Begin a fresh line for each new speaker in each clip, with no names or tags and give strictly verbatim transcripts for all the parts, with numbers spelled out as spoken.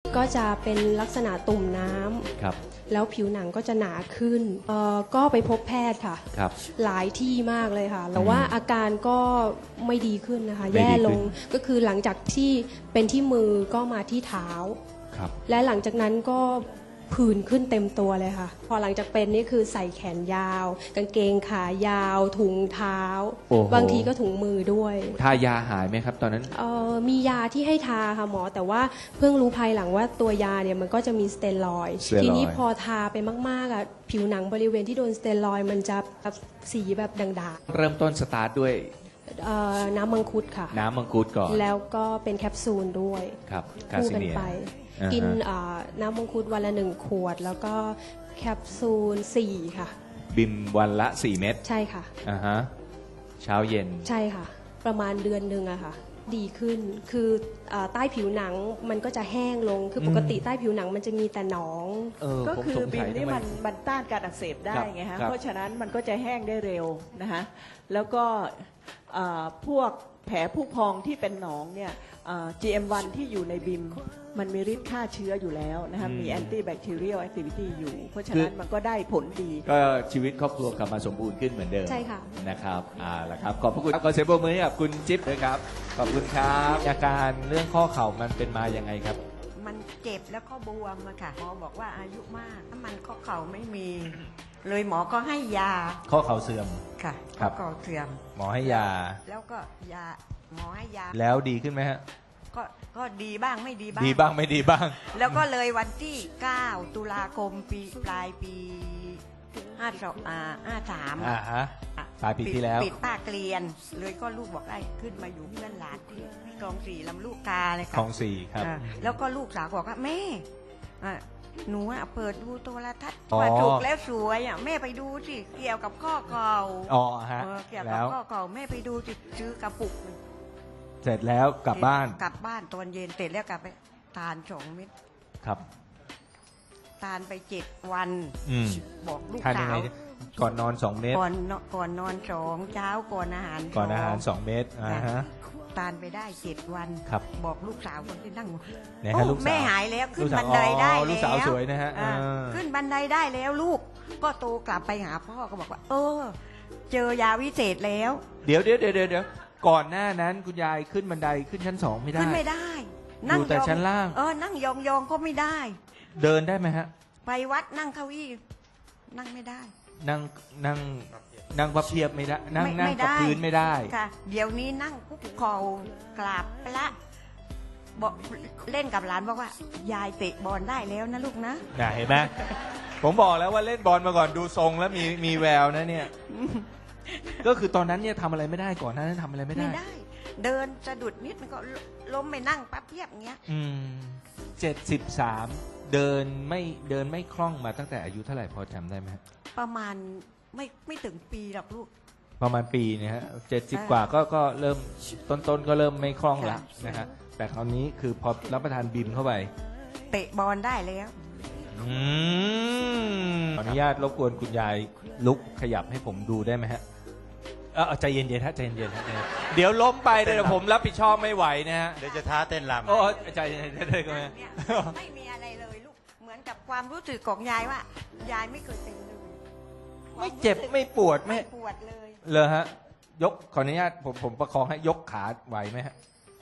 ก็จะเป็นลักษณะตุ่มน้ำ
ครับ
แล้วผิวหนังก็จะหนาขึ้นเอ่อก็ไปพบแพทย์ค่ะ
ครับ
หลายที่มากเลยค่ะแต่ว่าอาการก็ไม่ดีขึ้นนะคะ
ไม่ดีขึ้น
แย่ลงก็คือหลังจากที่เป็นที่มือก็มาที่เท้า
ครับ
และหลังจากนั้นก็ผื่นขึ้นเต็มตัวเลยค่ะพอหลังจากเป็นนี่คือใส่แขนยาวกางเกงขายาวถุงเท้าบางทีก็ถุงมือด้วย
ทายาหายไหมครับตอนนั้น
เอ่อมียาที่ให้ทาค่ะหมอแต่ว่าเพิ่งรู้ภายหลังว่าตัวยาเนี่ยมันก็จะมีสเตียรอยด์ทีนี้พอทาไปมากๆอ่ะผิวหนังบริเวณที่โดนสเตียรอยด์มันจะแบบสีแบบด่าง
ๆเริ่มต้นสตาร์ทด้วย
น้ำมังคุดค่ะ
น้ำมังคุดก่อน
แล้วก็เป็นแคปซูลด้วย
ครับ
คู่กันไปกินน้ำมังคุดวันละหนึ่งขวดแล้วก็แคปซูลสี่ค่ะ
บิมวันละสี่เม็ด
ใช่ค่ะ
อ่าฮะเช้าเย็น
ใช่ค่ะประมาณเดือนหนึ่งอะค่ะดีขึ้นคือใต้ผิวหนังมันก็จะแห้งลงคือปกติใต้ผิวหนังมันจะมีแต่หนอง
ก็คือบิมนี่มันมันต้านการอักเสบได้ไงฮะเพราะฉะนั้นมันก็จะแห้งได้เร็วนะคะแล้วก็พวกแผลผู้พองที่เป็นหนองเนี่ย จี เอ็ม วัน ที่อยู่ในบิมมันมีฤทธิ์ฆ่าเชื้ออยู่แล้วนะคะมีแอนตี้แบคทีเรียลแอคทิวิตี้อยู่เพราะฉะนั้นมันก็ได้ผลดี
ก็ชีวิตครอบครัวกลับมาสมบูรณ์ขึ้นเหมือนเดิม
ใช่ค่ะ
นะครับอ่าละครับขอบพระคุณขอเสียงปรบมือให้กับคุณจิ๊บด้วยครับขอบคุณครับอาการเรื่องข้อเข่ามันเป็นมายังไงครับ
มันเจ็บแล้วก็บวมอะค่ะหมอบอกว่าอายุมากถ้ามันข้อเข่าไม่มีเลยหมอก็ให้ยา
ข้อเข่าเสื่อม
ค่ะข้อเข่าเสื่อม
หมอให้ยา
แล้วก็ยาหมอให้ยา
แล้วดีขึ้นไหมฮะ
ก็ก็ดีบ้างไม่ดีบ้าง
ดีบ้างไม่ดีบ้าง
แล้วก็เลยวันที่เก้าตุลาคมปีปลายปีห้าสองอ่าห้าสาม
อ่าฮะปลายปีที่แล้ว
ปิดป้าเกลียนเลยก็ลูกบอกได้ขึ้นมาอยู่เพื่อนหลานที่คลองสี่ลำลูกกาเลยค่ะ
คลองสี่ครับ
แล้วก็ลูกสาวบอกว่าแม่หนูอ่ะเปิดดูโทรทัศน์ว่าถูกแล้วสวยอ่ะแม่ไปดูสิเกี่ยวกับข้อเข่า
อ๋อฮะ
เกี่ยวกับข้อเข่าแม่ไปดูสิซื้อกระปุก
เสร็จแล้วกลับบ้าน
กลับบ้านตอนเย็นเสร็จแล้วกลับไปทานสองเม็ด
ครับ
ทานไปเจ็ดวันบอกลูกสาว
ก่อนนอนสองเม็ด
ก่อนก่อนนอนสองเช้าก่อนอาหาร
ก่อนอาหารสองเม็ดอ่าฮะ
ทานไปได้เจ็ดวันบอกลูกสาวคนที่นั่ง
แ
ม่หายแล้วขึ้นบันไดได้แล้ว
ลูกสาวสวยนะฮะ
ขึ้นบันไดได้แล้วลูกก็โตกลับไปหาพ่อก็บอกว่าเออเจอยาวิเศษแล้ว
เดี๋ยวเดี๋ยวเดี๋ยวเดี๋ยวก่อนหน้านั้นคุณยายขึ้นบันไดขึ้นชั้นสองไม่ได้
ขึ้นไม่ได้
อยู่แต่ชั้นล่าง
เออนั่งยองยองก็ไม่ได้
เดินได้ไหมฮะ
ไปวัดนั่งเก้าอี้นั่งไม่ได้
นั่งนั่งนั่งพับเพียบไม่ได้นั่งนั่งกับพื้นไม่ได้
ค่ะเดี๋ยวนี้นั่งคุกเข่ากราบพระบอกเล่นกับหลานบอกว่ายายเตะบอลได้แล้วนะลูกนะ
เห็นไหมผมบอกแล้วว่าเล่นบอลมาก่อนดูทรงแล้วมีมีแววนะเนี่ยก็คือตอนนั้นเนี่ยทำอะไรไม่ได้ก่อนนั้นทำอะไรไม่ได้
ไม่ได้เดินสะดุดนิดมันก็ล้มไปนั่งปั๊บเพียบเงี้ย
อืมเจ็ดสิบสามเดินไม่เดินไม่คล่องมาตั้งแต่อายุเท่าไหร่พอจำได้ไหม
ประมาณไม่ไม่ถึงปีหรอกลูก
ประมาณปีนะฮะเจ็ดสิบกว่าก็ก็เริ่มต้นต้นก็เริ่มไม่คล่องแล้วนะฮะแต่คราวนี้คือพอรับประทานบิมเข้าไป
เตะบอลได้แล้ว
อืมขออนุญาตรบกวนคุณยายลุกขยับให้ผมดูได้ไหมฮะเออใจเย็นๆฮะใจเย็นๆฮะเดี๋ยวล้มไปเดี๋ยวผมรับผิดชอบไม่ไหวนะฮะ
เดี๋ยวจะท้าเต้นรำ
โอ้ใจเย็นๆเลยก็ไม่
ไม่มีอะไรเลยลูกเหมือนกับความรู้สึกของยายว่ายายไม่เคยเป็นเลย
ไม่เจ็บไม่ปวดไม่
ปวดเลย
เลยฮะยกขออนุญาตผมผมประคองให้ยกขาไหวไหมฮะ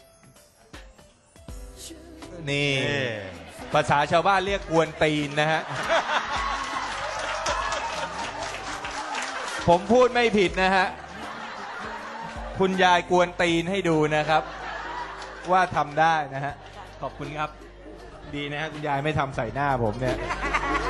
นี่ภาษาชาวบ้านเรียกกวนตีนนะฮะผมพูดไม่ผิดนะฮะคุณยายกวนตีนให้ดูนะครับว่าทำได้นะฮะขอบคุณครับดีนะฮะคุณยายไม่ทำใส่หน้าผมเนี่ย